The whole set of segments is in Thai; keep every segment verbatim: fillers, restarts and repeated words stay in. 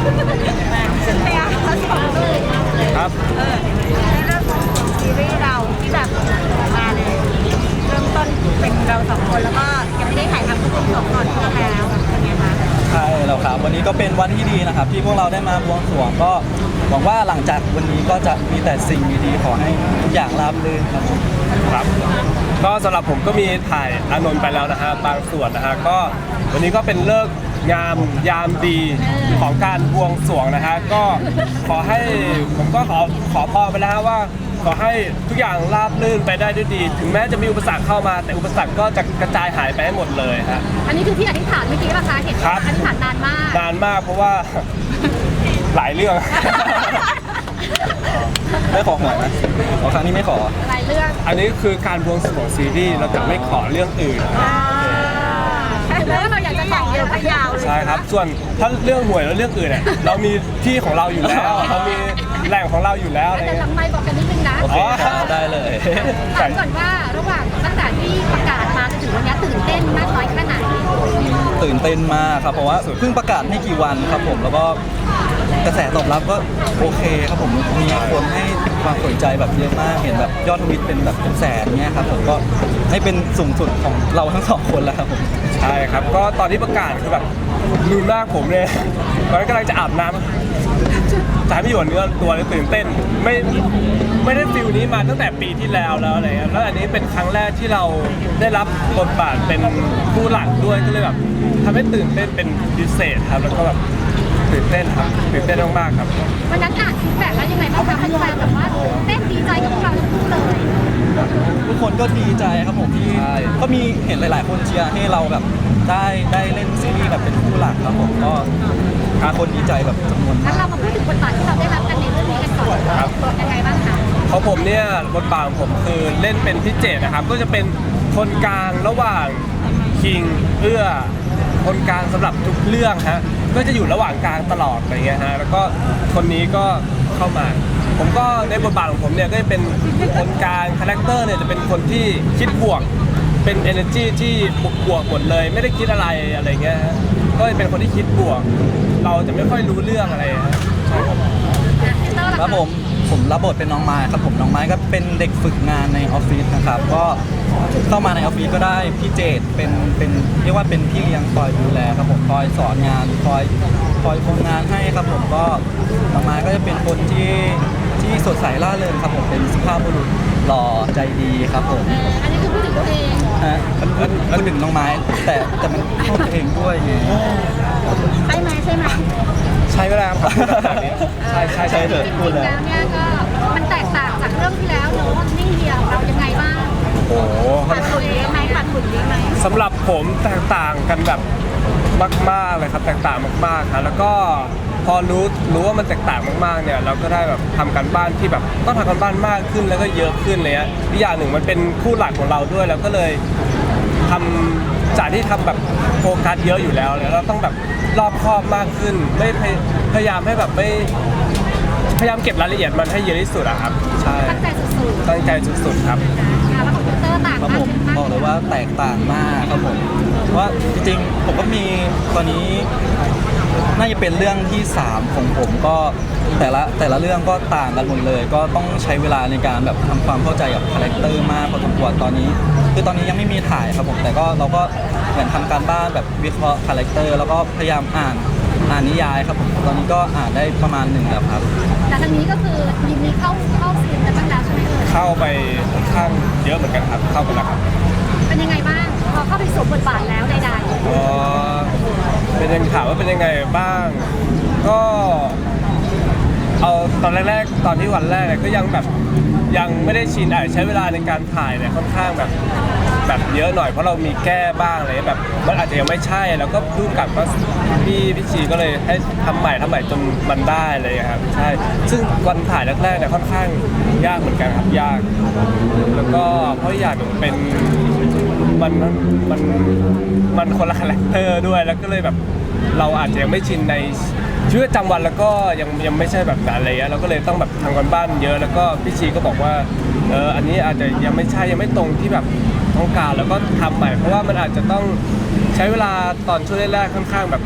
เป็นไงคะสองเลยครับเออในเรื่องของซีรีส์เราที่แบบมาเลยเริ่มต้นเป็นเราสองคนแล้วก็ยังไม่ได้ถ่ายทำทุกคนสองตอนที่แล้วเป็นไงคะใช่แล้วครับวันนี้ก็เป็นวันที่ดีนะครับที่พวกเราได้มาบวงสรวงก็หวังว่าหลังจากวันนี้ก็จะมีแต่สิ่งดีๆขอให้ทุกอย่างราบรื่นครับผมครับก็สำหรับผมก็มีถ่ายอานนท์ไปแล้วนะฮะบางส่วนนะฮะก็วันนี้ก็เป็นเลิกษ์งามยามดีของการบวงสรวงนะฮะก็ขอให้ผมก็ขอขอพรไปแล้วฮะว่าขอให้ทุกอย่างราบรื่นไปได้ด้วยดี ถึงแม้จะมีอุปสรรคเข้ามาแต่อุปสรรคก็จะกระจายหายไปให้หมดเลยฮะอันนี้คือที่อธิษฐานเมื่อกี้ป่ะคะเห็นครับอธิษฐานนานมากนานมากเพราะว่า หลายเรื่องไม่ขอหวยนะขอครั้งนี้ไม่ขอหลายเรื่องอันนี้คือการบวงสรวงซีรีส์เราจะไม่ขอเรื่องอื่นแล้วเราอยากจะขอเยอะยาวเลยใช่ครับ ส่วนถ้าเรื่องหวยแล้วเรื่องอื่นเนี่ยเรามีที่ของเราอยู่แล้ว เรามีแหล่งของเราอยู่แล้วอะไรแต่หลัเงี้งยไมค์บอกกันนิดนึงนะโอเคครับได้เลยถามก่อนว่าระหว่างตั้งแต่ที่ประกาศมาจนถึงวันนี้ตื่นเต้นมากน้อยแค่ไหนตื่นเต้นมากครับเพราะว่าเพิ่งประกาศไม่กี่วันครับผมแล้วก็กระแสตอบรับก็โอเคครับผมมีคนให้ความสนใจแบบเยอะมากเห็นแบบยอดทวิตเป็นแบบเป็นแสนเนี่ยครับผมก็ให้เป็นสูงสุดของเราทั้งสองคนแล้วครับผมใช่ครับก็ตอนที่ประกาศคือแบบลืมหน้าผมเลยตอนนั้นกำลังจะอาบน้ำสายไม่อยู่เนื้อตัวเลยตื่นเต้นไม่ไม่ได้ฟิลนี้มาตั้งแต่ปีที่แล้วแล้วอะไรเงี้ยแล้วอันนี้เป็นครั้งแรกที่เราได้รับบทบาทเป็นผู้หลักด้วยก็เลยแบบทำให้ตื่นเต้นเป็นพิเศษครับแล้วก็แบบตื่นเต้นครับตื่นเต้นมากๆครับวันนั้นอ่านฟีดแบ็กแล้วยังไงบ้างคะแฟนๆแบบว่าเต้นดีใจกับพวกเราทั้งคู่เลยทุกคนก็ดีใจครับผมที่ใช่ก็มีเห็นหลาย ๆ คนเชียร์ให้เราแบบได้ได้เล่นซีรีส์แบบเป็นคู่หลักครับผมก็ทุกคนดีใจแบบจำนวนงั้มาน กเรามาพูดถึงบทบาทที่เราได้รับกันในเรื่องนี้กันก่อนยังไงบ้างคะของผมเนี่ยบทบาทของผมคือเล่นเป็นพี่เจตนะครับก็จะเป็นคนกลางระหว่างคิงเอื้อคนกลางสำหรับทุกเรื่องฮะก็จะอยู่ระหว่างกลางตลอดอะไรเงี้ยฮะแล้วก็คนนี้ก็เข้ามา ผมก็ในบทบาทของผมเนี่ยก็จะเป็นคนกลางคาแรคเตอร์เนี่ยจะเป็นคนที่คิดบวกเป็น energy ที่บวกหมดเลยไม่ได้คิดอะไรอะไรเงี้ยฮะก็จะเป็นคนที่คิดบวก เราจะไม่ค่อยรู้เรื่องอะไรฮะใช่ครับครับผมผมรับบทเป็นน้องไม้ครับผมน้องไม้ก็เป็นเด็กฝึกงานในออฟฟิศนะครับก็เข้ามาในออฟฟิศก็ได้พี่เจตเป็นเป็นเรียกว่าเป็นพี่เลี้ยงคอยดูแลครับผมคอยสอนงานคอยคอยคุมงานให้ครับผมก็น้องไม้ก็จะเป็นคนที่ที่สดใสร่าเริงครับผมเป็นสุภาพบุรุษหล่อใจดีครับผมเอออันนี้คือพูดถึงตัวเองฮะมันมันมันถึงน้องไม้แต่แต่มันเข้าตัวเองด้วยไงใช่ไหมใช่ไหมใช่ก็ได้ครับแบบนี้ใช่ใช่ใช่เถอะจพูริดงเลยๆแล้วเนี่ยก็มันแตกต่างจากเรื่องที่แล้วเนอะนิ่งเดียวเรายังไงบ้างโอ้โหปัดฝุ่นเยอะไหมปัดฝุ่นเยอะไหมสำหรับผมแตกต่างกันแบบมากๆเลยครับแตกต่างมากๆครับแล้วก็พอรู้รู้ว่ามันแตกต่างมากๆเนี่ยเราก็ได้แบบทำการบ้านที่แบบต้องทำการบ้านมากขึ้นแล้วก็เยอะขึ้นเลยฮะอีกอย่างหนึ่งมันเป็นคู่หลักของเราด้วยแล้วก็เลยทำจากที่ทำแบบโฟกัสเยอะอยู่แล้วแล้วเราต้องแบบรอบคอบมากขึ้นไม่พยพยายามให้แบบไม่พยายามเก็บรายละเอียดมันให้เยอะที่สุดอะครับใช่ตั้งใจสุดๆตั้งใจสุดๆครับอ่ะแล้วคอมพิวเตอร์ต่างครับกัผนมมากบอกเลยว่าแตกต่างมากครับผมเพราะว่าจริงๆผมก็มีตอนนี้น่าจะเป็นเรื่องที่สามของผมก็แต่ละแต่ละเรื่องก็ต่างกันหมดเลย ก็ต้องใช้เวลาในการแบบทำความเข้าใจกับคาแรคเตอร์มากพอสมควรตอนนี้คือตอนนี้ยังไม่มีถ่ายครับผมแต่ก็เราก็เหมือนทำการบ้านแบบวิเคราะห์คาแรคเตอร์แล้วก็พยายามอ่านอ่านนิยายครับผมตอนนี้ก็อ่านได้ประมาณหนึ่งแล้วครับแต่ทางนี้ก็คือยินดีเข้าเข้าซีนกันบ้างแล้วใช่ไหมเอ่ยเข้าไปค่อนข้างเยอะเหมือนกันครับเข้าไปแล้วครับเป็นยังไงบ้างพอเข้าไปสวมบทบาทแล้วใดเอ่อเป็นยังถามว่าเป็นยังไงบ้าง ก็เอาตอนแรกๆตอนที่วันแรกเนี่ยก็ยังแบบยังไม่ได้ชินอาจจะใช้เวลาในการถ่ายเนี่ยค่อนข้างแบบแบบเยอะหน่อยเพราะเรามีแก้บ้างอะไรแบบมันอาจจะยังไม่ใช่แล้วก็ดูกลับก็พี่พี่ชีก็เลยให้ทำใหม่ทำใหม่จนมันได้เลยครับใช่ซึ่งวันถ่ายแรกๆเนี่ยค่อนข้างยากเหมือนกันครับยาก แล้วก็เพราะอย่างหนึ่งเป็นมันมันมันคนละคาแรคเตอร์ด้วยแล้วก็เลยแบบเราอาจจะยังไม่ชินในชีวิตประจำวันแล้วก็ยังยังไม่ใช่แบบนั้นอะไรเงี้ยเราก็เลยต้องแบบทำกันบ้านเยอะแล้วก็พี่ชีก็บอกว่าเอออันนี้อาจจะยังไม่ใช่ยังไม่ตรงที่แบบต้องการแล้วก็ทำใหม่เพราะว่ามันอาจจะต้องใช้เวลาตอนช่วงแรกๆค่อนข้างแบบ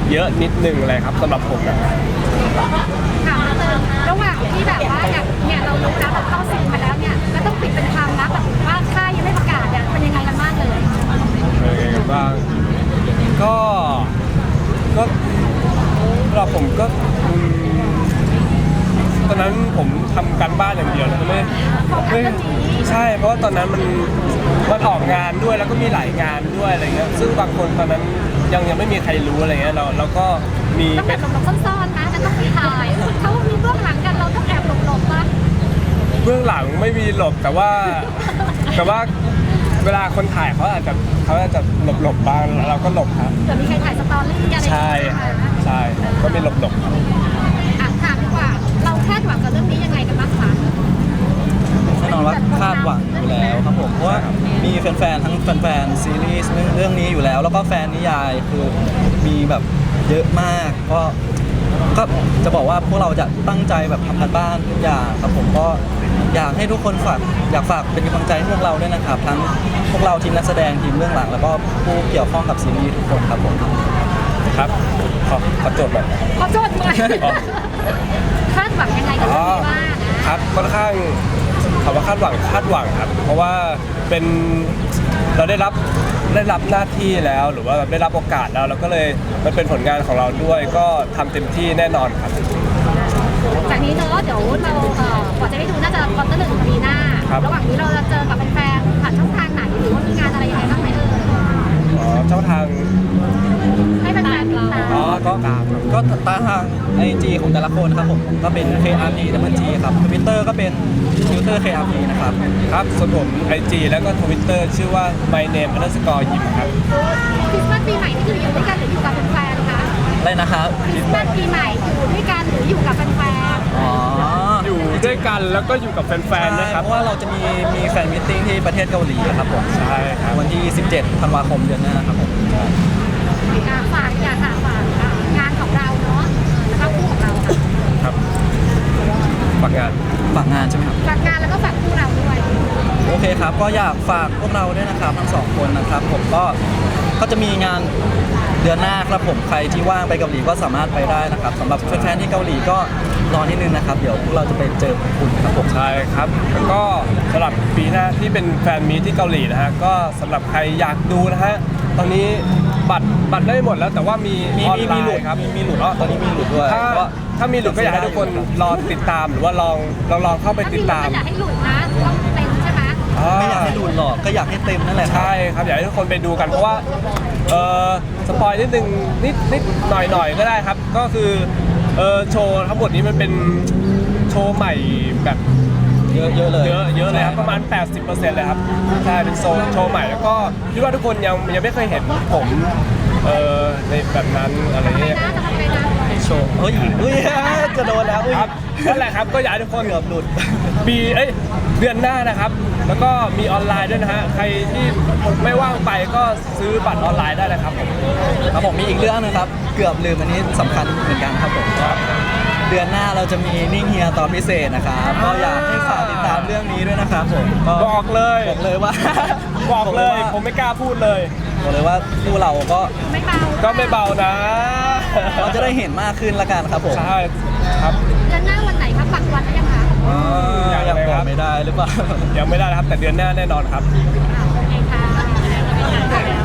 เยอะนิดนึงเลยครับสำหรับผมนะถามเติมระหว่างที่แบบว่าเนี่ยเนี่ยเรารู้แล้วเราเข้าซีนมาแล้วเนี่ยแล้วต้องปิดเป็นความลับแบบว่าค่ายยังไม่ประกาศเนี่ยเป็นยังไงกันบ้างเลยเป็นยังไงกันบ้างก็ก็สำหรับผมก็อืมตอนนั้นผมทำการบ้านอย่างเดียวเลยไม่ไม่ใช่เพราะว่าตอนนั้นมันมันออกงานด้วยแล้วก็มีหลายงานด้วยอะไรเงี้ยซึ่งบางคนตอนนั้นยังยังไม่มีใครรู้อะไรเงี้ยเราเราก็มีต้องเป็แบนบหลบๆซ่อนๆนะจะต้องไปถ่ายเขามีเบื้องหลังกันเราต้องแอบหลบๆปะเบื้องหลังไม่มีหลบแต่ว่า แต่ว่าเวลาคนถ่ายเขาอาจจะเขาอาจจะหลบหลบๆบ้างเราก็หลบครับเกิดมีใครถ่ายสตอรี่อะไรอย่างใช่เงี้ยใช่ก็มีหลบหลบอ่ะถามดีกว่าเราคาดหวังกับเรื่องนี้ยังไงกันบ้างคะแน่นอนว่าคาดหวังอยู่แล้วครับผมเพราะว่ามีแฟนๆทั้งแฟนๆซีรีส์เรื่องนี้อยู่แล้ว แล้วก็แฟนนิยายคือมีแบบเยอะมากก็ก็จะบอกว่าพวกเราจะตั้งใจแบบทำกันบ้านทุกอย่างครับผมก็อยากให้ทุกคนฝากอยากฝากเป็นกำลังใจให้พวกเราด้วยนะครับทั้งพวกเราทีมนักแสดงทีมเบื้องหลัง แล้วก็ผู้เกี่ยวข้องกับซีรีส์ทุกคนครับผมครับขอขอโจทย์แบบขอโทษหน่อยอ๋อคาดหวังยังไงกับเรื่องนี้บ้างนะครับค่อนข้างคำว่าคาดหวังคาดหวังครับ เพราะว่าเป็นเราได้รับได้รับหน้าที่แล้วหรือว่าได้รับโอกาสแล้วเราก็เลยมันเป็นผลงานของเราด้วย ก็ทำเต็มที่แน่นอนครับจากนี้เนอะเดี๋ยวเราเอ่อกว่าจะได้ดูน่าจะควอเตอร์หนึ่งปีหน้าครับระหว่างนี้เราจะเจอกับแฟนๆผ่านช่องทางไหนหรือว่ามีงานอะไรยังไงบ้างไหมเอ่ยอ๋อช่องทางให้แฟนๆติดตามอ๋อก็ก็ตามทางไอจีของแต่ละคนครับผมก็เป็น เค อาร์ พี ดับเบิลจีครับทวิตเตอร์ก็เป็นทวิตเตอร์ เค อาร์ พี นะครับครับส่วนผม ไอ จี แล้วก็ ทวิตเตอร์ ชื่อว่า my name underscore ยิมครับคริสต์มาสปีใหม่นี่คืออยู่ด้วยกันหรืออยู่กับแฟนๆคะอะไรนะครับคริสต์มาสปีใหม่อยู่ด้วยกันหรืออยู่กับแฟนอ๋ออยู่ด้วยกันแล้วก็อยู่กับแฟนๆนะครับเพราะว่าเราจะมีมีแฟนมิทติ้งที่ประเทศเกาหลีครับผมใช่ครับวันที่สิบเจ็ดธันวาคมเดือนหน้าครับผมๆอ่ะฝากอยากค่ะฝากอ่ะงานของเราเนาะแล้วก็คู่ของเราค่ะครับฝากงานฝากงานใช่ไหมครับฝากงานแล้วก็ฝากคู่เราด้วยโอเคครับ ก็อยากฝากพวกเราด้วยนะครับทั้งสองคนนะครับ ผมก็ก็จะมีงานเดือนหน้าครับผมใครที่ว่างไปเกาหลีก็สามารถไปได้นะครับสำหรับแฟนๆที่เกาหลีก็รอนิดนึงนะครับ เดี๋ยวพวกเราจะไปเจอคุณครับผมใช่ครับ แล้วก็สำหรับปีหน้าที่เป็นแฟนมีตที่เกาหลีนะฮะ ก็สำหรับใครอยากดูนะฮะ ตอนนี้บัตรบัตรได้หมดแล้วแต่ว่ามีมีออนมีไลมีหลุดน์ครับมีมีหลุดตอนนี้มีหลุดด้วยถ้าก็ถ้ามีหลุดก็อยากให้ทุกคนรอติดตามหรือว่าลองลองลองเข้าไปถ้าติมีดก็ตามอยากให้หลุดนะต้องเต็มใช่ไหมไม่อยากให้หลุดหรอกก็อยากให้เต็มนั่นแหละครับใช่ครับอยากให้ทุกคนไปดูกันเพราะว่าเออสปอยนิดนึงนิดนิดหน่อยหน่อยก็ได้ครับ ก็คือเออโชว์ทั้งหมดนี้มันเป็นโชว์ใหม่แบบเยอะเยอะเลยเยอะเยอะเลยครับประมาณ แปดสิบเปอร์เซ็นต์ เลยครับใช่เป็นโซนโชว์ใหม่แล้วก็คิดว่าทุกคนยังยังไม่เคยเห็นผมเออในแบบนั้นอะไรทำไมเงี้ยนะจะทำไมนะโชว์เฮ้ยอุ้ยจะโดนแล้วอุ้ยครับนั่นแหละครับก็อยากให้ทุกคนเกือบหลุดปีเอ้ยเดือนหน้านะครับ แล้วก็มีออนไลน์ด้วยนะฮะใครที่ไม่ว่างไปก็ซื้อบัตรออนไลน์ได้นะครับผมครับผมมีอีกเรื่องหนึงครับ เกือบลืมอันนี้สำคัญเหมือนกันครับผมก็เดือนหน้าเราจะมีนิ่งเฮียตอนพิเศษนะครับก็อยากให้ฝากติดตามเรื่องนี้ด้วยนะครับผมก็บอกเลยบอกเลยว่าบอกเลยว่าผมไม่กล้าพูดเลยบอกเลยว่าคู่เราก็ไม่เบาก็ไม่เบานะเราจะได้เห็นมากขึ้นละกันครับผมใช่ครับเดือนหน้าวันไหนครับปักวันหรือยังคะอ่ายังบอกไม่ได้หรือเปล่ายังไม่ได้นะครับ แต่เดือนหน้าแน่นอนครับโอเคค่ะ